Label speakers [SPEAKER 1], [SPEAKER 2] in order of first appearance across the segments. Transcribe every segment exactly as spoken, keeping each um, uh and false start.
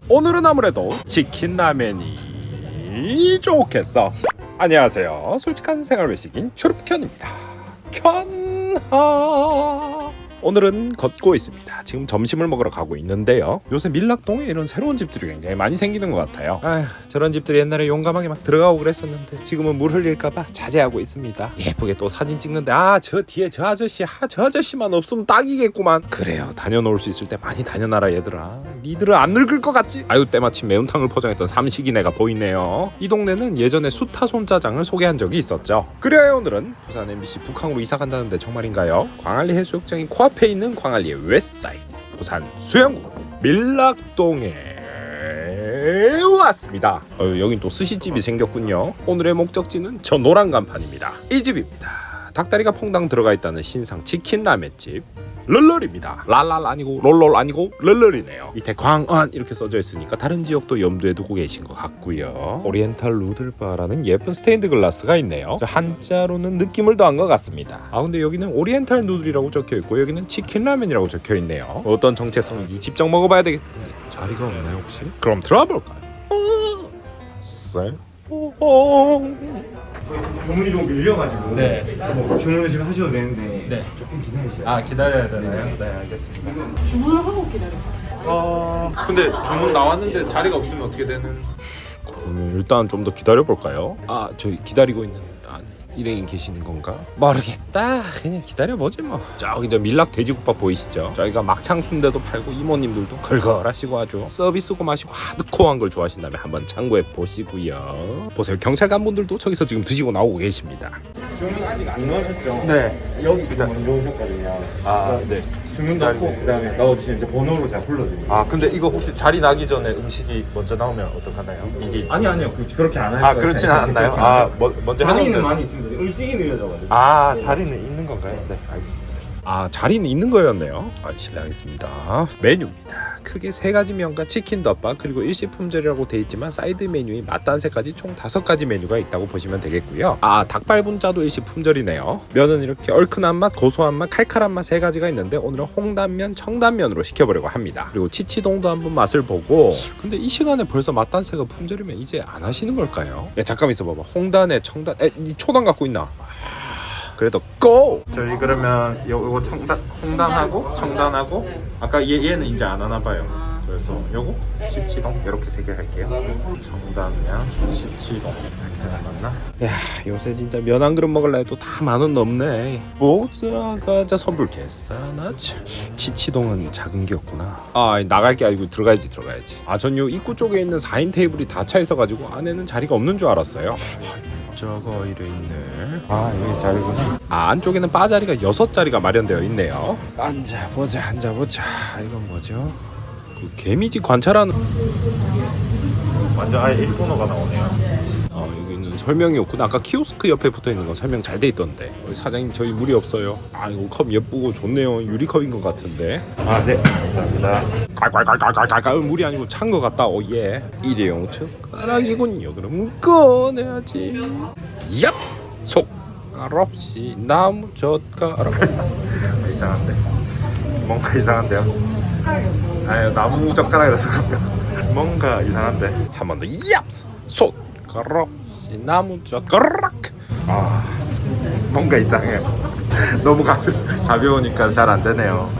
[SPEAKER 1] 오늘은 아무래도 치킨 라면이 좋겠어. 안녕하세요, 솔직한 생활 외식인 추르프켠입니다. 켠하. 오늘은 걷고 있습니다. 지금 점심을 먹으러 가고 있는데요. 요새 밀락동에 이런 새로운 집들이 굉장히 많이 생기는 것 같아요. 아휴, 저런 집들이 옛날에 용감하게 막 들어가고 그랬었는데 지금은 물 흘릴까봐 자제하고 있습니다. 예쁘게 또 사진 찍는데 아, 저 뒤에 저 아저씨, 아, 저 아저씨만 없으면 딱이겠구만. 그래요, 다녀놓을 수 있을 때 많이 다녀놔라 얘들아. 니들은 안 늙을 것 같지? 아유, 때마침 매운탕을 포장했던 삼식이네가 보이네요. 이 동네는 예전에 수타 손짜장을 소개한 적이 있었죠. 그래요, 오늘은 부산 엠비씨 북항으로 이사 간다는데 정말인가요? 광안리 해수욕장인 코앞에 있는 광안리의 웨스트사이드 부산 수영구 밀락동에 왔습니다. 어, 여긴 또 스시집이 생겼군요. 오늘의 목적지는 저 노란 간판입니다. 이 집입니다. 닭다리가 퐁당 들어가 있다는 신상 치킨 라면집 럴럴입니다. 랄랄 아니고 롤롤 아니고 럴럴이네요. 밑에 광안 이렇게 써져 있으니까 다른 지역도 염두에 두고 계신 것 같고요. 오리엔탈 누들바라는 예쁜 스테인드 글라스가 있네요. 저 한자로는 느낌을 더한 것 같습니다. 아, 근데 여기는 오리엔탈 누들이라고 적혀 있고 여기는 치킨 라면이라고 적혀 있네요. 어떤 정체성인지 직접 먹어봐야 되겠... 자리가 없나요 혹시? 그럼 들어볼까요? 쎄?
[SPEAKER 2] 주문이 좀 밀려가지고
[SPEAKER 3] 네.
[SPEAKER 2] 뭐 주문을 지금 하셔도 되는데
[SPEAKER 3] 네.
[SPEAKER 2] 조금 기다리셔야 돼요.
[SPEAKER 3] 아, 기다려야 되나요? 네, 알겠습니다.
[SPEAKER 4] 주문을 하고 기다려요.
[SPEAKER 3] 어... 근데 주문 나왔는데 자리가 없으면 어떻게 되는?
[SPEAKER 1] 그러면 일단 좀 더 기다려볼까요? 아, 저희 기다리고 있는 아, 일행이 계시는 건가? 모르겠다. 그냥 기다려보지 뭐. 저기 저 밀락 돼지국밥 보이시죠? 저희가 막창 순대도 팔고 이모님들도 걸걸하시고 아주 서비스고 마시고 하드코어한 걸 좋아하신다면 한번 참고해 보시고요. 보세요, 경찰관분들도 저기서 지금 드시고 나오고 계십니다.
[SPEAKER 2] 주문 아직 안 넣으셨죠?
[SPEAKER 3] 네.
[SPEAKER 2] 여기 지금 먼저 오셨거든요.
[SPEAKER 3] 아, 네.
[SPEAKER 2] 주문 넣고 그다음에 넣어주시면 이제 번호로 제가 불러드릴게요.
[SPEAKER 3] 아, 근데 이거 혹시 자리 나기 전에 음식이 먼저 나오면 어떡하나요? 이게
[SPEAKER 2] 아니 아니요 그, 그렇게 안 해요.
[SPEAKER 3] 아, 그렇진 않나요? 아, 뭐, 먼저
[SPEAKER 2] 자리는
[SPEAKER 3] 해놓으면-
[SPEAKER 2] 많이 있습니다. 음식이 느려져가지고.
[SPEAKER 3] 아, 자리는 있는 건가요? 네, 알겠습니다.
[SPEAKER 1] 아, 자리는 있는 거였네요. 아, 실례하겠습니다. 메뉴입니다. 크게 세 가지 면과 치킨 덮밥 그리고 일식품절이라고 돼 있지만 사이드 메뉴인 맛단새까지 총 다섯 가지 메뉴가 있다고 보시면 되겠고요. 아, 닭발분짜도 일식품절이네요. 면은 이렇게 얼큰한 맛, 고소한 맛, 칼칼한 맛 세 가지가 있는데 오늘은 홍단면, 청단면으로 시켜보려고 합니다. 그리고 치치동도 한번 맛을 보고. 근데 이 시간에 벌써 맛단새가 품절이면 이제 안 하시는 걸까요? 야, 잠깐 있어봐봐. 홍단에 청단, 에, 니 초단 갖고 있나? 그래도 고!
[SPEAKER 3] 저희 그러면 요, 요거 청단, 홍단하고 청단하고 아까 얘, 얘는 이제 안 하나 봐요. 그래서 요거 시치동 이렇게 세 개 할게요. 청단면 시치동 이렇게 하나 맞나?
[SPEAKER 1] 야, 요새 진짜 면 한 그릇 먹을라 해도 다 만 원 넘네. 목자가자 선불 개싸나 참. 치치동은 작은 게였구나. 아, 나갈 게 아니고 들어가야지 들어가야지. 아, 전 요 입구 쪽에 있는 사 인 테이블이 다 차 있어가지고 안에는 자리가 없는 줄 알았어요. 저거 이래 있네.
[SPEAKER 3] 아, 여기 자리구나.
[SPEAKER 1] 아, 안쪽에는 바 자리가 여섯 자리가 마련되어 있네요. 앉아보자 앉아보자. 이건 뭐죠? 그 개미지 관찰하는.
[SPEAKER 3] 완전 아예 일본어가 나오네요.
[SPEAKER 1] 아, 여기는 설명이 없구나. 아까 키오스크 옆에 붙어있는 건 설명 잘 돼 있던데. 어, 사장님 저희 물이 없어요. 아, 이거 컵 예쁘고 좋네요. 유리컵인 것 같은데.
[SPEAKER 3] 아, 네, 감사합니다.
[SPEAKER 1] 깔깔깔깔깔깔. 물이 아니고 찬 것 같다. 오예. 일회용 젓가락이군요. 그럼 꺼내야지. 얍! 숟갈 없이 나무 젓가락.
[SPEAKER 3] 이상한데. 뭔가 이상한데요. 아유, 나무 젓가락이라서 그런가. 뭔가 이상한데.
[SPEAKER 1] 한 번 더. 얍! 숟갈 없이 나무 젓가락.
[SPEAKER 3] 아, 뭔가 이상해요. 너무 가, 가벼우니까 잘 안 되네요.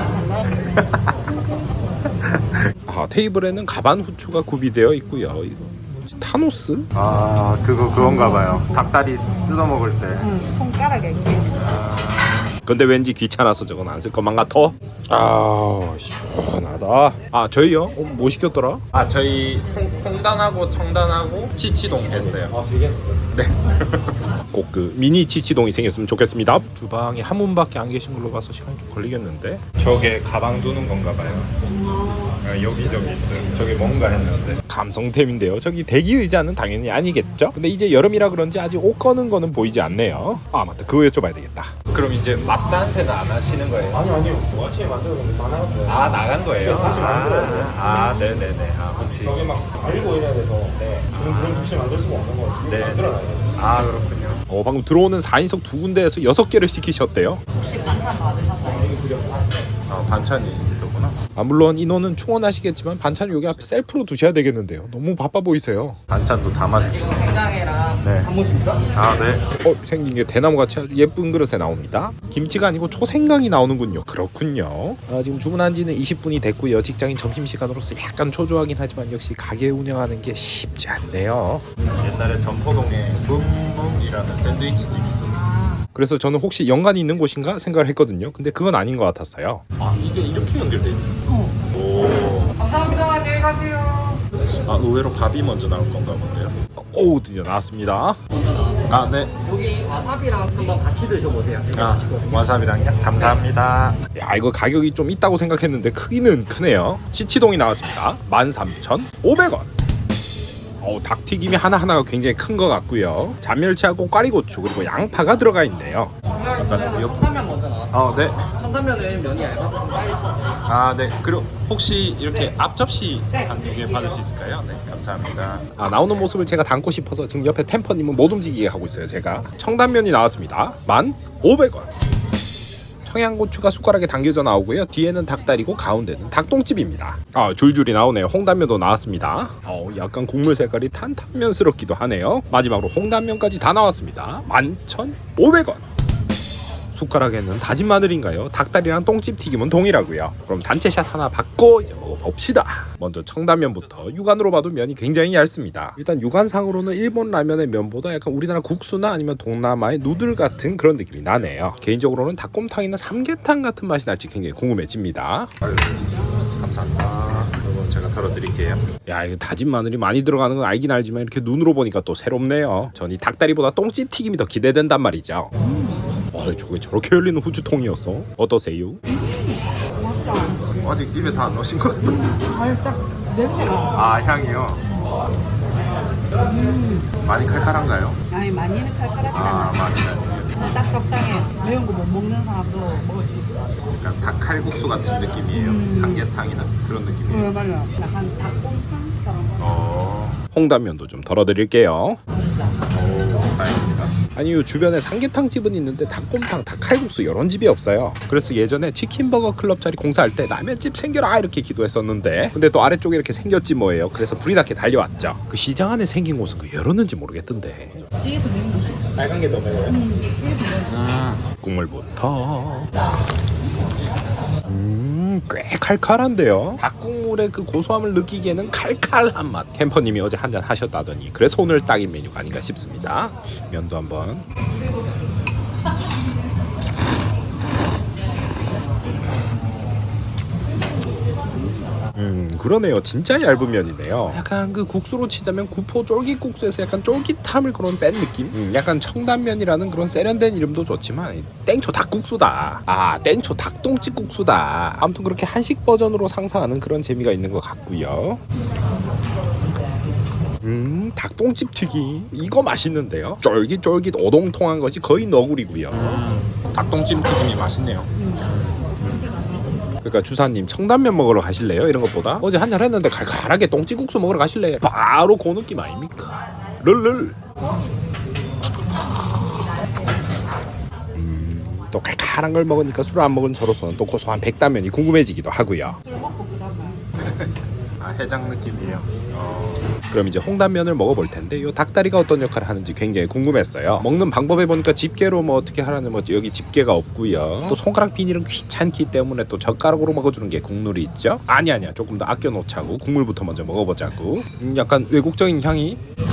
[SPEAKER 1] 아, 테이블에는 가반 후추가 구비되어 있고요. 이거 뭐지? 타노스?
[SPEAKER 3] 아, 그거 그건가 봐요. 닭다리 뜯어 먹을 때.
[SPEAKER 4] 응, 손가락에 이렇게.
[SPEAKER 1] 근데 왠지 귀찮아서 저건 안 쓸 것만 같아. 아, 시원하다. 아, 저희요? 어, 뭐 시켰더라?
[SPEAKER 3] 아, 저희 홍, 홍단하고 청단하고 치치동 했어요.
[SPEAKER 2] 아 되게
[SPEAKER 1] 네. 꼭 그 미니 치치동이 생겼으면 좋겠습니다. 주방에 한 분밖에 안 계신 걸로 봐서 시간이 좀 걸리겠는데.
[SPEAKER 3] 저게 가방 두는 건가 봐요. 아, 여기저기 있어요. 저게 뭔가 했는데.
[SPEAKER 1] 감성템인데요. 저기 대기 의자는 당연히 아니겠죠? 근데 이제 여름이라 그런지 아직 옷 꺼는 거는 보이지 않네요. 아, 맞다. 그거 여쭤봐야 되겠다.
[SPEAKER 3] 그럼 이제 맛단세는 안 하시는 거예요?
[SPEAKER 2] 아니 아니요. 뭐 아침에 만들었는데 다 나갔어요.
[SPEAKER 3] 아, 나간 거예요?
[SPEAKER 2] 네, 다시 만들어야 돼요.
[SPEAKER 3] 아, 네네네. 아, 혹시.
[SPEAKER 2] 저기 막 알고 이래야 돼서 네. 그런 그런 즉시 만들 수가 없는 거예요.
[SPEAKER 3] 네.
[SPEAKER 2] 만들어놔야 돼요.
[SPEAKER 3] 아, 그렇군요.
[SPEAKER 1] 어, 방금 들어오는 사 인석 두 군데에서 여섯 개를 시키셨대요.
[SPEAKER 4] 혹시 반찬 받으셨나요?
[SPEAKER 3] 아, 반찬이 있었구나. 하셨구나.
[SPEAKER 1] 아 물론 인원은 충원하시겠지만 반찬을 여기 앞에 셀프로 두셔야 되겠는데요. 너무 바빠 보이세요.
[SPEAKER 3] 반찬도 담아주시네.
[SPEAKER 2] 생강이랑
[SPEAKER 3] 네.
[SPEAKER 2] 단무지입니까?
[SPEAKER 3] 아 네.
[SPEAKER 1] 어 생긴 게 대나무같이 아주 예쁜 그릇에 나옵니다. 김치가 아니고 초생강이 나오는군요. 그렇군요. 아, 지금 주문한 지는 이십 분이 됐고요. 직장인 점심시간으로서 약간 초조하긴 하지만 역시 가게 운영하는 게 쉽지 않네요.
[SPEAKER 3] 옛날에 점포동에 붐붐이라는 샌드위치 집이 있었어요.
[SPEAKER 1] 그래서 저는 혹시 연관이 있는 곳인가 생각을 했거든요. 근데 그건 아닌 것 같았어요.
[SPEAKER 3] 아 이게 이렇게 연결돼 있네.
[SPEAKER 4] 어.
[SPEAKER 3] 오.
[SPEAKER 2] 감사합니다. 안녕히 가세요.
[SPEAKER 3] 아 의외로 밥이 먼저 나올 건가 본데요.
[SPEAKER 1] 오 드디어 나왔습니다.
[SPEAKER 3] 아 네.
[SPEAKER 2] 여기 와사비랑 한번 같이 드셔보세요. 되게
[SPEAKER 3] 아
[SPEAKER 2] 맛있거든요.
[SPEAKER 3] 와사비랑요? 감사합니다.
[SPEAKER 1] 야 이거 가격이 좀 있다고 생각했는데 크기는 크네요. 치치동이 나왔습니다. 만 삼천오백 원. 어, 닭튀김이 하나하나가 굉장히 큰 것 같고요. 잔멸치하고 꽈리고추 그리고 양파가 들어가 있네요.
[SPEAKER 3] 어떤 요?
[SPEAKER 2] 천단면 먼저 나왔어요.
[SPEAKER 3] 아 네.
[SPEAKER 2] 천단면은 면이 얇아서 좀 빨리 터져요.
[SPEAKER 3] 아 네. 그리고 혹시 이렇게 앞 접시
[SPEAKER 2] 네.
[SPEAKER 3] 한 두 개 받을 수 있을까요? 네. 감사합니다.
[SPEAKER 1] 아 나오는 모습을 제가 담고 싶어서 지금 옆에 템퍼님은 못 움직이게 하고 있어요. 제가 청단면이 나왔습니다. 만 오백 원. 청양고추가 숟가락에 담겨져 나오고요. 뒤에는 닭다리고 가운데는 닭똥집입니다. 아 줄줄이 나오네요. 홍단면도 나왔습니다. 어, 약간 국물 색깔이 탄탄면스럽기도 하네요. 마지막으로 홍단면까지 다 나왔습니다. 만 천오백 원. 숟가락에는 다진 마늘인가요? 닭다리랑 똥집 튀김은 동일하고요. 그럼 단체샷 하나 받고 이제 먹어봅시다. 먼저 청단면부터 육안으로 봐도 면이 굉장히 얇습니다. 일단 육안상으로는 일본 라면의 면보다 약간 우리나라 국수나 아니면 동남아의 누들 같은 그런 느낌이 나네요. 개인적으로는 닭곰탕이나 삼계탕 같은 맛이 날지 굉장히 궁금해집니다.
[SPEAKER 3] 아유, 감사합니다. 이거 제가 덜어드릴게요.
[SPEAKER 1] 야 이거 다진 마늘이 많이 들어가는 건 알긴 알지만 이렇게 눈으로 보니까 또 새롭네요. 전 이 닭다리보다 똥집 튀김이 더 기대된단 말이죠. 아 저게 저렇게 열리는 후추통이었어? 어떠세요?
[SPEAKER 3] 아직 입에 다 안 넣으신 것 같은데.
[SPEAKER 4] 살짝 냄새가.
[SPEAKER 3] 아 향이요. 많이 칼칼한가요?
[SPEAKER 4] 아니 많이는 칼칼하지
[SPEAKER 3] 아
[SPEAKER 4] 않아.
[SPEAKER 3] 많이 아니에요.
[SPEAKER 4] 딱 적당해. 매운 거 못 먹는 사람도 먹을 수 있어.
[SPEAKER 3] 약간 닭칼국수 같은 느낌이에요. 삼계탕이나 그런 느낌이에요.
[SPEAKER 4] 어 맞아. 약간 닭곰탕처럼.
[SPEAKER 3] 어.
[SPEAKER 1] 홍단면도 좀 덜어드릴게요.
[SPEAKER 3] 오 다행입니다.
[SPEAKER 1] 아니 요 주변에 삼계탕 집은 있는데 닭곰탕, 닭칼국수 이런 집이 없어요. 그래서 예전에 치킨버거 클럽 자리 공사할 때 라면집 생겨라 이렇게 기도했었는데 근데 또 아래쪽에 이렇게 생겼지 뭐예요. 그래서 불이 나게 달려왔죠. 그 시장 안에 생긴 곳은 그 열었는지 모르겠던데.
[SPEAKER 4] 이게 더 매운 거지.
[SPEAKER 3] 빨간 게 더 매워요?
[SPEAKER 4] 음, 이게 더 매워.
[SPEAKER 1] 국물부터 음, 꽤 칼칼한데요. 닭국물의 그 고소함을 느끼기에는 칼칼한 맛. 캠퍼님이 어제 한잔 하셨다더니 그래서 오늘 딱인 메뉴가 아닌가 싶습니다. 면도 한번. 음 그러네요. 진짜 얇은 면이네요. 약간 그 국수로 치자면 구포 쫄깃국수에서 약간 쫄깃함을 그런 뺀 느낌. 음, 약간 청단면이라는 그런 세련된 이름도 좋지만 땡초 닭국수다. 아 땡초 닭똥집국수다. 아무튼 그렇게 한식 버전으로 상상하는 그런 재미가 있는 것 같고요. 음 닭똥집 튀김 이거 맛있는데요. 쫄깃쫄깃 오동통한 것이 거의 너구리고요.
[SPEAKER 3] 음, 닭똥찜 튀김이 맛있네요.
[SPEAKER 1] 그러니까 주사님 청단면 먹으러 가실래요? 이런 것보다 어제 한잔 했는데 칼칼하게 똥찌국수 먹으러 가실래요? 바로 그 느낌 아닙니까? 럴럴. 음, 또 칼칼한 걸 먹으니까 술을 안 먹은 저로서는 또 고소한 백단면이 궁금해지기도 하고요.
[SPEAKER 4] 술 먹고 그다음에.
[SPEAKER 3] 아 해장 느낌이에요. 어.
[SPEAKER 1] 그럼 이제 홍단면을 먹어볼 텐데 요 닭다리가 어떤 역할을 하는지 굉장히 궁금했어요. 먹는 방법에 보니까 집게로 뭐 어떻게 하라는 뭐지 여기 집게가 없고요. 또 손가락 비닐은 귀찮기 때문에 또 젓가락으로 먹어주는 게 국물이 있죠. 아니 아니야 조금 더 아껴 놓자고 국물부터 먼저 먹어보자고. 음, 약간 외국적인 향이.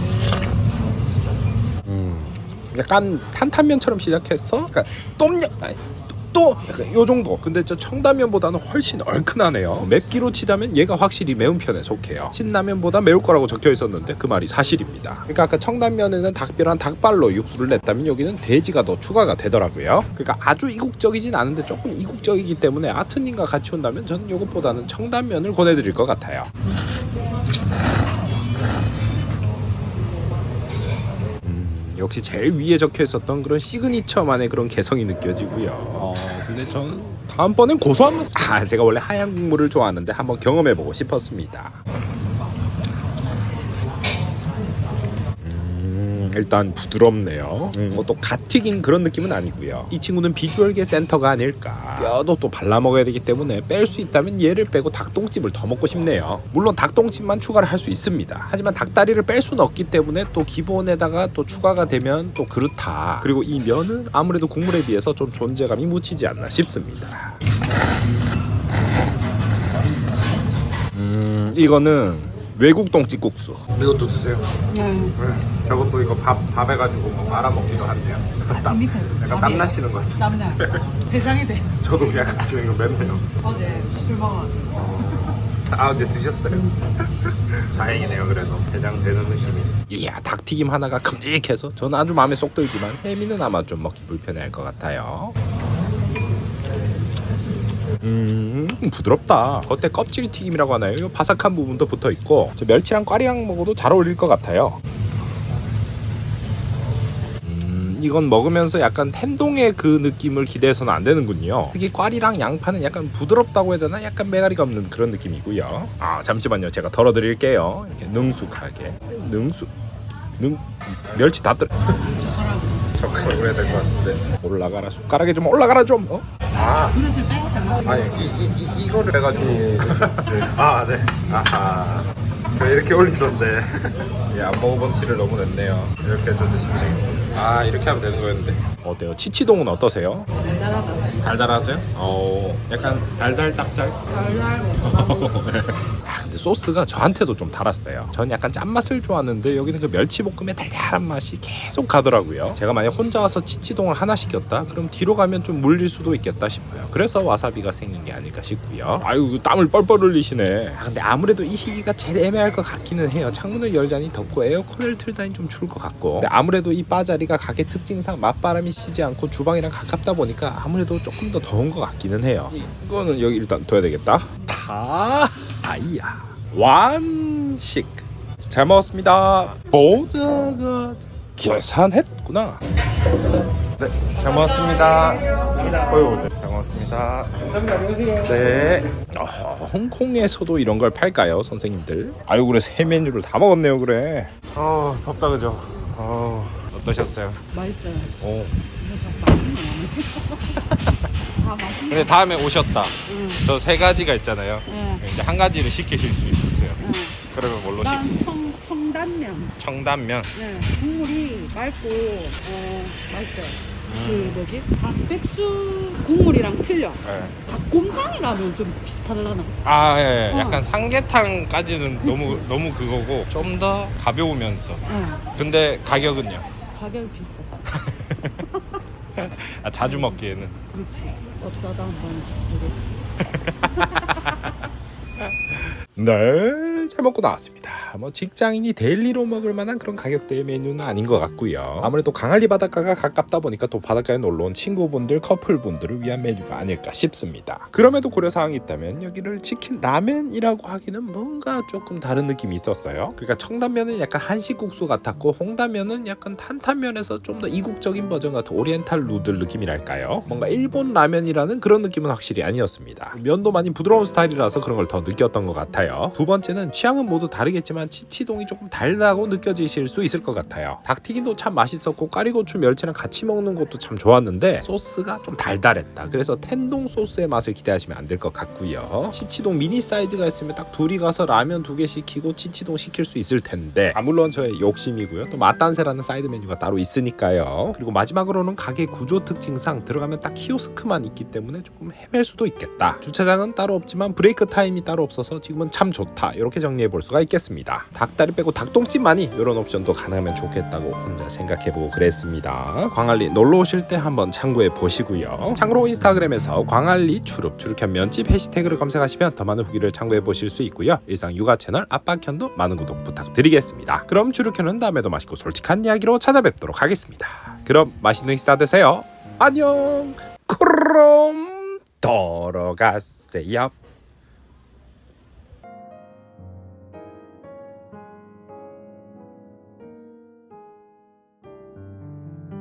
[SPEAKER 1] 음, 약간 탄탄면처럼 시작해서 약간 똠양 아니, 또 약간 요 정도. 근데 저 청담면보다는 훨씬 얼큰하네요. 맵기로 치자면 얘가 확실히 매운 편에 속해요. 신라면보다 매울 거라고 적혀 있었는데 그 말이 사실입니다. 그러니까 아까 청담면에는 닭뼈랑 닭발로 육수를 냈다면 여기는 돼지가 더 추가가 되더라고요. 그러니까 아주 이국적이진 않은데 조금 이국적이기 때문에 아트님과 같이 온다면 저는 이것보다는 청담면을 권해드릴 것 같아요. 역시 제일 위에 적혀 있었던 그런 시그니처만의 그런 개성이 느껴지고요. 어, 근데 저는 다음번엔 고소한 맛. 아, 제가 원래 하얀 국물을 좋아하는데 한번 경험해보고 싶었습니다. 음, 음, 일단 부드럽네요. 음, 뭐또 갓 튀긴 그런 느낌은 아니고요. 이 친구는 비주얼계 센터가 아닐까. 뼈도 또 발라 먹어야 되기 때문에 뺄 수 있다면 얘를 빼고 닭똥집을 더 먹고 싶네요. 물론 닭똥집만 추가를 할 수 있습니다. 하지만 닭다리를 뺄 수는 없기 때문에 또 기본에다가 또 추가가 되면 또 그렇다. 그리고 이 면은 아무래도 국물에 비해서 좀 존재감이 묻히지 않나 싶습니다. 음, 이거는 외국 똥집국수. 이것도 드세요.
[SPEAKER 4] 네.
[SPEAKER 1] 네, 저것도 이거 밥, 밥 해가지고 뭐 말아 먹기도 한대요.
[SPEAKER 4] 아, 밑에.
[SPEAKER 1] 약간 땀 나시는 것 같아요.
[SPEAKER 4] 땀나. 대장이 돼.
[SPEAKER 1] 저도 약간 좀 이거 맵네요.
[SPEAKER 4] 어제 술 먹어가지고.
[SPEAKER 1] 아 근데 드셨어요? 다행이네요. 그래도 대장 되는 느낌이. 이야 닭튀김 하나가 큼직해서 저는 아주 마음에 쏙 들지만 혜미는 아마 좀 먹기 불편해할 것 같아요. 음 부드럽다. 겉에 껍질 튀김이라고 하나요? 이 바삭한 부분도 붙어 있고 저 멸치랑 꽈리랑 먹어도 잘 어울릴 것 같아요. 음 이건 먹으면서 약간 텐동의 그 느낌을 기대해서는 안 되는군요. 특히 꽈리랑 양파는 약간 부드럽다고 해야 되나? 약간 메가리가 없는 그런 느낌이고요. 아 잠시만요. 제가 덜어드릴게요. 이렇게 능숙하게 능숙 능 멸치 다 떨. 적으로 해야 될 것 같은데. 올라가라 숟가락에 좀 올라가라 좀. 어? 아
[SPEAKER 4] 그릇을 빼야 되나?
[SPEAKER 1] 아니 이, 이, 이, 이거를 해가지고 아 네 아하 저 이렇게 올리던데 예, 안 먹어본 티를 너무 냈네요. 이렇게 해서 드시면 되겠고 아 이렇게 하면 되는 거였는데 어때요? 치치동은 어떠세요?
[SPEAKER 4] 달달하다.
[SPEAKER 1] 달달하세요? 어 약간 달달 짭짤?
[SPEAKER 4] 달달하고.
[SPEAKER 1] 아 근데 소스가 저한테도 좀 달았어요. 전 약간 짠맛을 좋아하는데 여기는 그 멸치볶음의 달달한 맛이 계속 가더라고요. 제가 만약 혼자 와서 치치동을 하나 시켰다? 그럼 뒤로 가면 좀 물릴 수도 있겠다 싶어요. 그래서 와사비가 생긴 게 아닐까 싶고요. 아유 땀을 뻘뻘 흘리시네. 아 근데 아무래도 이 시기가 제일 애매할 것 같기는 해요. 창문을 열자니 덥고 에어컨을 틀다니 좀 추울 것 같고 근데 아무래도 이 바자리가 가게 특징상 맞바람이 시지 않고 주방이랑 가깝다 보니까 아무래도 조금 더 더운 것 같기는 해요. 이거는 여기 일단 둬야 되겠다. 다 아이야 완식 잘 먹었습니다. 보자가 계산했구나. 네, 잘 먹었습니다. 어휴, 네, 잘 먹었습니다.
[SPEAKER 2] 감사합니다. 안녕하세요.
[SPEAKER 1] 네. 아, 홍콩에서도 이런 걸 팔까요, 선생님들? 아유, 그래 세 메뉴를 다 먹었네요, 그래. 아, 덥다 그죠? 아, 어떠셨어요?
[SPEAKER 4] 맛있어요.
[SPEAKER 1] 오.
[SPEAKER 4] 이거 참 맛있네. 다 맛있네.
[SPEAKER 3] 근데 다음에 오셨다.
[SPEAKER 4] 응.
[SPEAKER 3] 저 세 가지가 있잖아요.
[SPEAKER 4] 응.
[SPEAKER 3] 이제 한 가지를 시키실 수 있었어요.
[SPEAKER 4] 응.
[SPEAKER 3] 그러면 뭘로
[SPEAKER 4] 난
[SPEAKER 3] 시키?
[SPEAKER 4] 청, 청단면.
[SPEAKER 3] 청담면.
[SPEAKER 4] 네. 국물이 맑고, 어, 맛있어요. 그 뭐지? 닭백수 국물이랑 틀려.
[SPEAKER 3] 네.
[SPEAKER 4] 닭곰탕이라면 좀 비슷하려나?
[SPEAKER 3] 아, 예, 예.
[SPEAKER 4] 어.
[SPEAKER 3] 약간 삼계탕까지는 너무 너무 그거고 좀 더 가벼우면서.
[SPEAKER 4] 응.
[SPEAKER 3] 근데 가격은요?
[SPEAKER 4] 가격이 비싸.
[SPEAKER 3] 아, 자주 먹기에는.
[SPEAKER 4] 그렇지. 어쩌다 한번 주겠지.
[SPEAKER 1] 네, 잘 먹고 나왔습니다. 뭐 직장인이 데일리로 먹을 만한 그런 가격대의 메뉴는 아닌 것 같고요. 아무래도 강할리 바닷가가 가깝다 보니까 또 바닷가에 놀러온 친구분들, 커플분들을 위한 메뉴가 아닐까 싶습니다. 그럼에도 고려사항이 있다면 여기를 치킨 라면이라고 하기는 뭔가 조금 다른 느낌이 있었어요. 그러니까 청담면은 약간 한식국수 같았고 홍담면은 약간 탄탄면에서 좀 더 이국적인 버전 같은 오리엔탈 누들 느낌이랄까요. 뭔가 일본 라면이라는 그런 느낌은 확실히 아니었습니다. 면도 많이 부드러운 스타일이라서 그런 걸 더 느꼈던 것 같아요. 두 번째는 취향은 모두 다르겠지만 치치동이 조금 달다고 느껴지실 수 있을 것 같아요. 닭튀김도 참 맛있었고 까리고추 멸치랑 같이 먹는 것도 참 좋았는데 소스가 좀 달달했다. 그래서 텐동 소스의 맛을 기대하시면 안 될 것 같고요. 치치동 미니 사이즈가 있으면 딱 둘이 가서 라면 두 개 시키고 치치동 시킬 수 있을 텐데 아, 물론 저의 욕심이고요. 또 맛단세라는 사이드 메뉴가 따로 있으니까요. 그리고 마지막으로는 가게 구조 특징상 들어가면 딱 키오스크만 있기 때문에 조금 헤맬 수도 있겠다. 주차장은 따로 없지만 브레이크 타임이 따로 없어서 지금은 참 좋다. 이렇게 정리해 볼 수가 있겠습니다. 닭다리 빼고 닭똥집만이 이런 옵션도 가능하면 좋겠다고 혼자 생각해보고 그랬습니다. 광안리 놀러 오실 때 한번 참고해 보시고요. 참고로 인스타그램에서 광안리 추룹 추룩한 면집 해시태그를 검색하시면 더 많은 후기를 참고해 보실 수 있고요. 일상 육아 채널 아빠켠도 많은 구독 부탁드리겠습니다. 그럼 추룩현은 다음에도 맛있고 솔직한 이야기로 찾아뵙도록 하겠습니다. 그럼 맛있는 식사 되세요. 안녕. 그럼 돌아가세요.